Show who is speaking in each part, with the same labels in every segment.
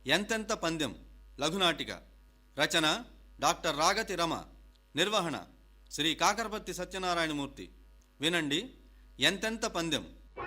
Speaker 1: ఎంతెంత పందెం లఘునాటిక. రచన డాక్టర్ రాగతి రమ. నిర్వహణ శ్రీ కాకరపర్తి సత్యనారాయణమూర్తి. వినండి ఎంతెంత పందెం.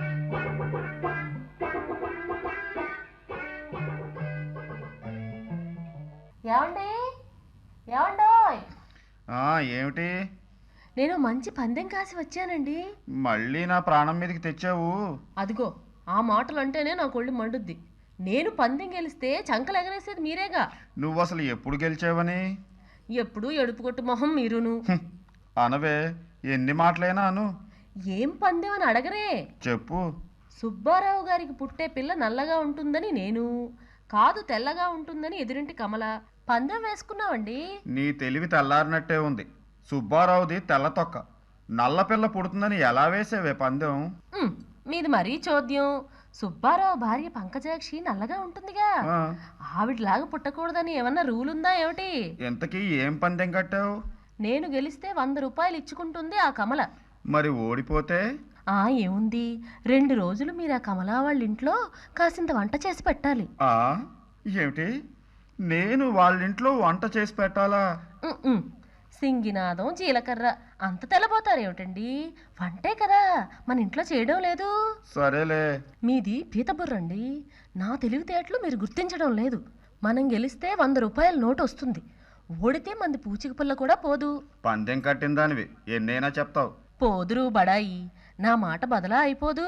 Speaker 2: ఏమిటి?
Speaker 3: నేను మంచి పందెం కాసి వచ్చానండి.
Speaker 2: మళ్ళీ నా ప్రాణం మీదకి తెచ్చావు.
Speaker 3: అదిగో ఆ మాటలు అంటేనే నాకు ఒళ్ళు మండుద్ది. నేను పందెం గెలిస్తే చంకలు ఎగరేసేది మీరేగా.
Speaker 2: నువ్వు అసలు ఎప్పుడు గెలిచావని?
Speaker 3: ఎప్పుడు ఎడుపు కొట్టు మొహం మీరును.
Speaker 2: అనవే, ఎన్ని మాటలైనా అను.
Speaker 3: ఏం పందెం అని అడగరే.
Speaker 2: చెప్పు.
Speaker 3: సుబ్బారావు గారికి పుట్టే పిల్ల నల్లగా ఉంటుందని నేను, కాదు తెల్లగా ఉంటుందని ఎదురింటి కమల పందెం వేసుకున్నావండి.
Speaker 2: నీ తెలివి తెల్లారినట్టే ఉంది. సుబ్బారావుది తెల్ల తొక్క, నల్ల పిల్ల పుడుతుందని ఎలా వేసేవే పందెం?
Speaker 3: మీది మరీ చోద్యం. సుబ్బారావు భార్య పంకజాక్షి నల్లగా ఉంటుందిగా, ఆవిడలాగా పుట్టకూడదని ఏమన్నా రూల్ ఉందా ఏమిటి?
Speaker 2: ఎంతకీ ఏం పందెం కట్టావు?
Speaker 3: నేను గెలిస్తే 100 రూపాయలు ఇచ్చుకుంటుంది ఆ కమల.
Speaker 2: మరి ఓడిపోతే?
Speaker 3: ఏముంది, 2 రోజులు మీరు ఆ కమలా వాళ్ళ ఇంట్లో కాసింత వంట చేసి పెట్టాలి.
Speaker 2: ఏమిటి, నేను వాళ్ళింట్లో వంట చేసి పెట్టాలా?
Speaker 3: సింగినాదం జీలకర్ర అంత తెల్లబోతారేమిటండి? వంటే కదా, మన ఇంట్లో చేయడం లేదు.
Speaker 2: సరేలే.
Speaker 3: మీది పీతబుర్రండి. నా తెలివితేటలు మీరు గుర్తించడం లేదు. మనం గెలిస్తే 100 రూపాయల నోటు వస్తుంది. ఓడితే మంది పూచిక పుల్ల కూడా పోదు.
Speaker 2: పందెం కట్టిన దానివి ఎన్నైనా చెప్తావు.
Speaker 3: పోదురు బడాయి, నా మాట బదలా అయిపోదు.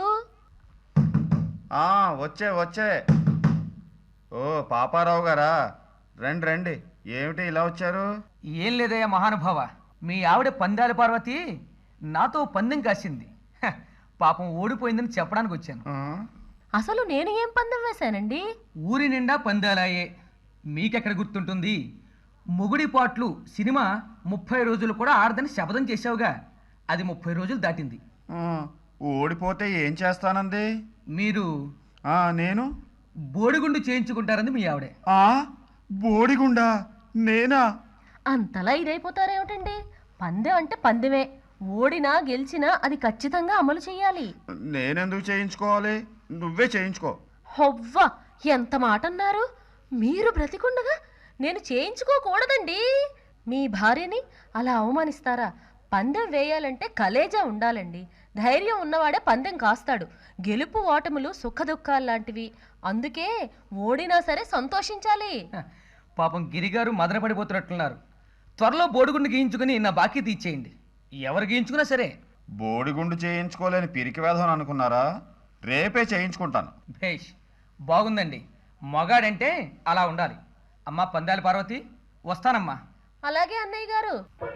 Speaker 2: వచ్చే. ఓ పాపారావు గారా, రండి రండి. ఏమిటి ఇలా వచ్చారు?
Speaker 4: ఏం లేదయ్యా మహానుభావ, మీ ఆవిడ పందాల పార్వతి నాతో పందెం కాసింది. పాపం ఓడిపోయిందని చెప్పడానికి వచ్చాను.
Speaker 3: అసలు నేను ఏం పందెం వేశానండి?
Speaker 4: ఊరి నిండా పందాలాయే, మీకెక్కడ గుర్తుంటుంది? మొగుడి పాట్లు సినిమా 30 రోజులు కూడా ఆడదని శపథం చేశావుగా, అది 30 రోజులు దాటింది.
Speaker 2: ఓడిపోతే ఏం చేస్తానంది?
Speaker 4: మీరు
Speaker 2: నేను
Speaker 4: బోడిగుండు చేయించుకుంటారంది మీ ఆవిడే.
Speaker 2: బోడిగుండా? నేనా?
Speaker 3: అంతలా ఇదైపోతారేమిటండి? పందెం అంటే పందెమే, ఓడినా గెలిచినా అది ఖచ్చితంగా అమలు చెయ్యాలి.
Speaker 2: నేనెందుకు చేయించుకోవాలి? నువ్వే చేయించుకో.
Speaker 3: హొవ్వా, ఎంత మాట అన్నారు! మీరు బ్రతికుండగా నేను చేయించుకోకూడదండి. మీ భార్యని అలా అవమానిస్తారా? పందెం వేయాలంటే కలేజా ఉండాలండి. ధైర్యం ఉన్నవాడే పందెం కాస్తాడు. గెలుపు ఓటములు సుఖదుఖాల్లాంటివి, అందుకే ఓడినా సరే సంతోషించాలి.
Speaker 4: పాపం గిరిగారు మదనపడిపోతున్నట్లున్నారు. త్వరలో బోడిగుండు గీయించుకుని నా బాకీ తీర్చేయండి. ఎవరు గీయించుకున్నా సరే.
Speaker 2: బోడిగుండు చేయించుకోలేని పిరికి వేధం అనుకున్నారా? రేపే చేయించుకుంటాను.
Speaker 4: భేష్, బాగుందండి. మగాడంటే అలా ఉండాలి. అమ్మా పందాల పార్వతి, వస్తానమ్మా.
Speaker 3: అలాగే అన్నయ్య గారు.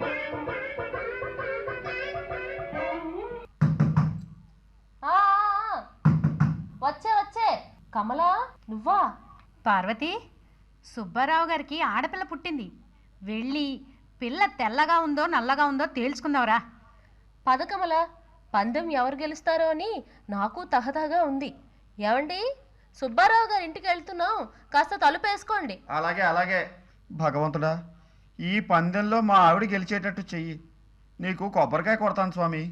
Speaker 3: వచ్చే కమలా, నువ్వా?
Speaker 5: పార్వతి, సుబ్బారావు గారికి ఆడపిల్ల పుట్టింది. వెళ్ళి పిల్ల తెల్లగా ఉందో నల్లగా ఉందో తేల్చుకుందావరా.
Speaker 3: పద కమల, పందెం ఎవరు గెలుస్తారో అని నాకు తహతహగా ఉంది. ఏమండి, సుబ్బారావు గారి ఇంటికి వెళ్తున్నాం, కాస్త తలుపేసుకోండి.
Speaker 2: అలాగే. భగవంతుడా, ఈ పందెంలో మా ఆవిడ గెలిచేటట్టు చెయ్యి. నీకు కొబ్బరికాయ కొడతాను స్వామి.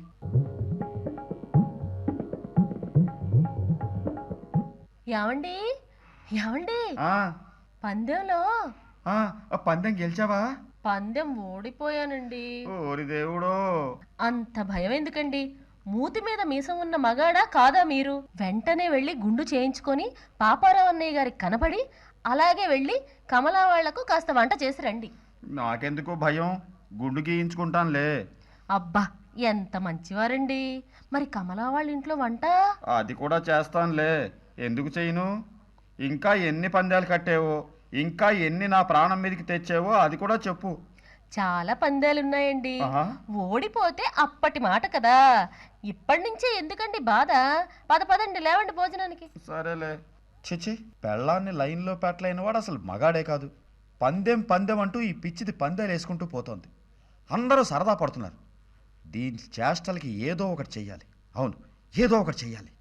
Speaker 3: ఏమండి, పందెంలో
Speaker 2: పందెం గెలిచావా?
Speaker 3: పందెం ఓడిపోయానండి.
Speaker 2: ఓరి దేవుడో!
Speaker 3: అంత భయం ఎందుకండి? మూతి మీద మీసం ఉన్న మగాడా కాదా మీరు? వెంటనే వెళ్ళి గుండు చేయించుకొని పాపారావు అన్నయ్య గారికి కనబడి అలాగే వెళ్ళి కమలా వాళ్లకు కాస్త వంట చేసి రండి.
Speaker 2: నాకెందుకు భయం, గుండు గీయించుకుంటానులే.
Speaker 3: అబ్బా, ఎంత మంచివారండి. మరి కమలా వాళ్ళ ఇంట్లో వంట?
Speaker 2: అది కూడా చేస్తానులే, ఎందుకు చేయను? ఇంకా ఎన్ని పందాలు కట్టేవో, ఇంకా ఎన్ని నా ప్రాణం మీదకి తెచ్చావో అది కూడా చెప్పు.
Speaker 3: చాలా పందాలున్నాయండి. ఓడిపోతే అప్పటి మాట కదా, ఇప్పటి నుంచే ఎందుకండి బాధ? పదండి, లేవండి భోజనానికి.
Speaker 2: సరేలే. చిచి, పెళ్ళాన్ని లైన్లో పెట్టలేని వాడు అసలు మగాడే కాదు. పందెం అంటూ ఈ పిచ్చిది పందాలు వేసుకుంటూ పోతోంది. అందరూ సరదా పడుతున్నారు. దీని చేష్టలకి ఏదో ఒకటి చెయ్యాలి. అవును, ఏదో ఒకటి చెయ్యాలి.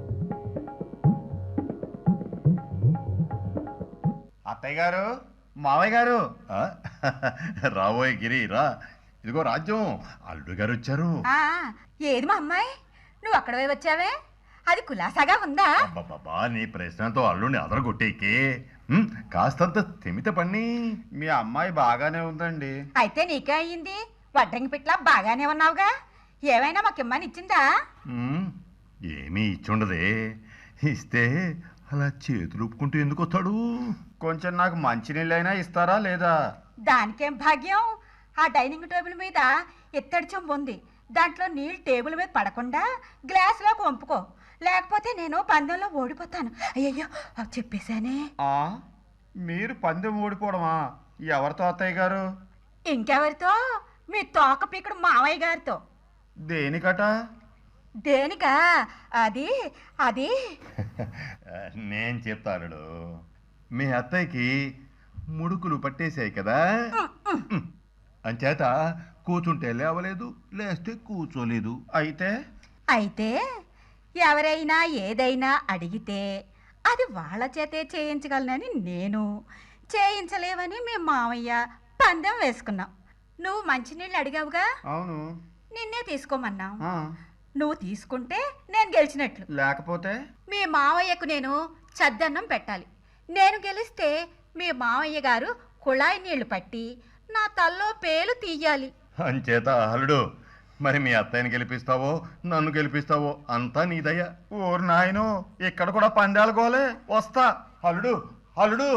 Speaker 2: అత్తయ్య గారు, మావయ్య గారు.
Speaker 6: రాబోయే గిరి రా. ఇదిగో రాజ్యం, అల్లుడు గారు వచ్చారు.
Speaker 5: ఏది మా అమ్మాయి, నువ్వు అక్కడ వచ్చావే? అది కులాసాగా ఉందా?
Speaker 6: బాబా, నీ ప్రశ్నతో అల్లుడిని అదరగొట్టేకి కాస్తంత తెమిత పన్ని.
Speaker 2: మీ అమ్మాయి బాగానే ఉందండి.
Speaker 7: అయితే నీకే అయ్యింది. వడ్రంగి పిట్ల బాగానే ఉన్నావుగా. ఏమైనా మాకిమ్మని ఇచ్చిందా?
Speaker 6: ఏమీ ఇచ్చుండదే. ఇస్తే అలా చేతులు ఊపుకుంటూ ఎందుకు వస్తాడు?
Speaker 2: కొంచెం నాకు మంచినీళ్ళైనా ఇస్తారా లేదా?
Speaker 7: దానికేం భాగ్యం. ఆ డైనింగ్ టేబుల్ మీద ఇత్తడి చెంబు ఉంది. దాంట్లో నీళ్ళు టేబుల్ మీద పడకుండా గ్లాసులోకి వంపుకో. లేకపోతే నేను పందెంలో ఓడిపోతాను. అయ్యయ్యో చెప్పేశానే.
Speaker 2: మీరు పందెం ఓడిపోవడమా? ఎవరితో అత్తయ్య గారు?
Speaker 7: ఇంకెవరితో? మీ తోక పీకుడు మావయ్య గారితో.
Speaker 2: దేనికట?
Speaker 7: దేనికా? అది అది
Speaker 6: నేను చెప్తాను. మీ అత్తయ్యకి ముడుకులు పట్టేశాయి కదా, అంచేత కూర్చుంటే లేవలేదు, లేస్తే కూర్చోలేదు.
Speaker 7: అయితే ఎవరైనా ఏదైనా అడిగితే అది వాళ్ళ చేతే చేయించగలనని నేను, చేయించలేవని మీ మావయ్య పందెం వేసుకున్నాం. నువ్వు మంచినీళ్ళు అడిగావుగా,
Speaker 2: అవును.
Speaker 7: నిన్నే తీసుకోమన్నావు. నువ్వు తీసుకుంటే నేను గెలిచినట్లు.
Speaker 2: లేకపోతే
Speaker 7: మీ మావయ్యకు నేను చద్దన్నం పెట్టాలి. నేను గెలిస్తే మీ మావయ్య గారు కుళాయి నీళ్లు పట్టి నా తల్లో పేలు తీయాలి.
Speaker 6: అంచేత అల్లుడు, మరి మీ అత్తయ్యని గెలిపిస్తావో నన్ను గెలిపిస్తావో అంతా నీదయ్యా.
Speaker 2: ఓరు నాయను, ఇక్కడ కూడా పందాలు గోలే. వస్తా. అల్లుడు అల్లుడు.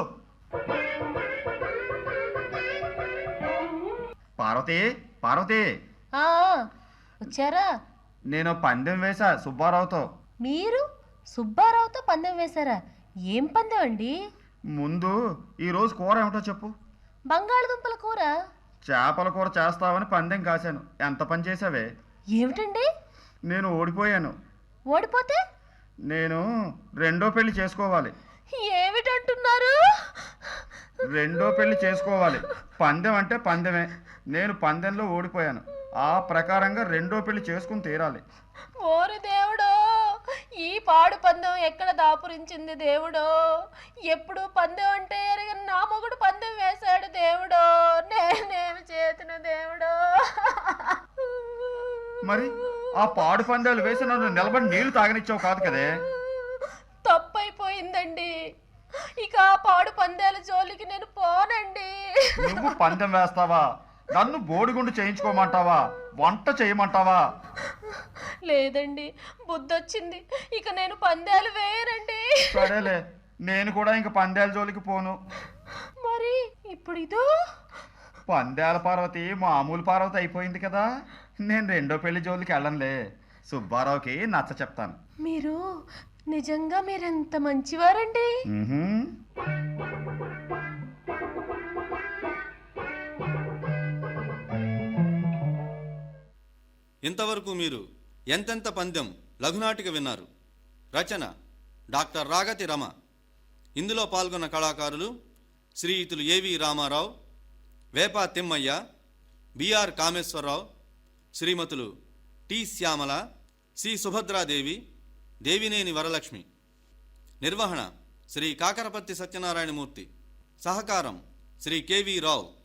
Speaker 2: పార్వతి పార్వతి,
Speaker 3: ఆ, వచ్చారా?
Speaker 2: నేను పందెం వేశా సుబ్బారావుతో.
Speaker 3: మీరు సుబ్బారావుతో పందెం వేశారా? ఏం పందెం అండి?
Speaker 2: ముందు ఈరోజు కూర ఏమిటో చెప్పు.
Speaker 3: బంగాళదుంపల కూర.
Speaker 2: చేపల కూర చేస్తావని పందెం కాశాను. ఎంత పని చేసావే?
Speaker 3: ఏమిటండి?
Speaker 2: నేను ఓడిపోయాను.
Speaker 3: ఓడిపోతే
Speaker 2: నేను రెండో పెళ్లి చేసుకోవాలి.
Speaker 3: ఏమిటంటున్నారు?
Speaker 2: రెండో పెళ్లి చేసుకోవాలి. పందెం అంటే పందెమే. నేను పందెంలో ఓడిపోయాను. ఆ ప్రకారంగా రెండో పెళ్లి చేసుకుని తీరాలి.
Speaker 3: ఓరి దేవుడో, ఈ పాడు పందెం ఎక్కడ దాపురించింది దేవుడో? ఎప్పుడు పందెం అంటే ఎరగని నా మొగుడు పందెం వేశాడు దేవుడో. నేనేమి చేతును దేవుడో?
Speaker 2: మరి ఆ పాడు పందాలు వేసి నన్ను నిలబడి నీళ్లు తాగనిచ్చావు కాదు కదే.
Speaker 3: తప్పైపోయిందండి. ఇక ఆ పాడు పందాల జోలికి నేను పోనండి.
Speaker 2: నువ్వు పందెం వేస్తావా? నన్ను బోడిగుండు చేయించుకోమంటావా? వంట చేయమంటావా?
Speaker 3: లేదండి, బుద్ధొచ్చింది. ఇక నేను పందాలు వేయనండి.
Speaker 2: సరేలే, నేను కూడా ఇంక పందాల జోలికి పోను.
Speaker 3: మరి ఇప్పుడు ఇదో
Speaker 2: పందాల పార్వతి మామూలు పార్వతి అయిపోయింది కదా. నేను రెండో పెళ్లి జోలికి వెళ్ళనులే. సుబ్బారావుకి నచ్చ చెప్తాను.
Speaker 3: మీరు నిజంగా మీరెంత మంచివారండి.
Speaker 1: ఇంతవరకు మీరు ఎంతెంత పందెం లఘునాటిక విన్నారు. రచన డాక్టర్ రాగతి రమ. ఇందులో పాల్గొన్న కళాకారులు శ్రీయుతులు ఏవి రామారావు, వేపా తిమ్మయ్య, బిఆర్ కామేశ్వరరావు, శ్రీమతులు టి శ్యామల, సి సుభద్రాదేవి, దేవినేని వరలక్ష్మి. నిర్వహణ శ్రీ కాకరపత్తి సత్యనారాయణమూర్తి. సహకారం శ్రీ కెవి రావు.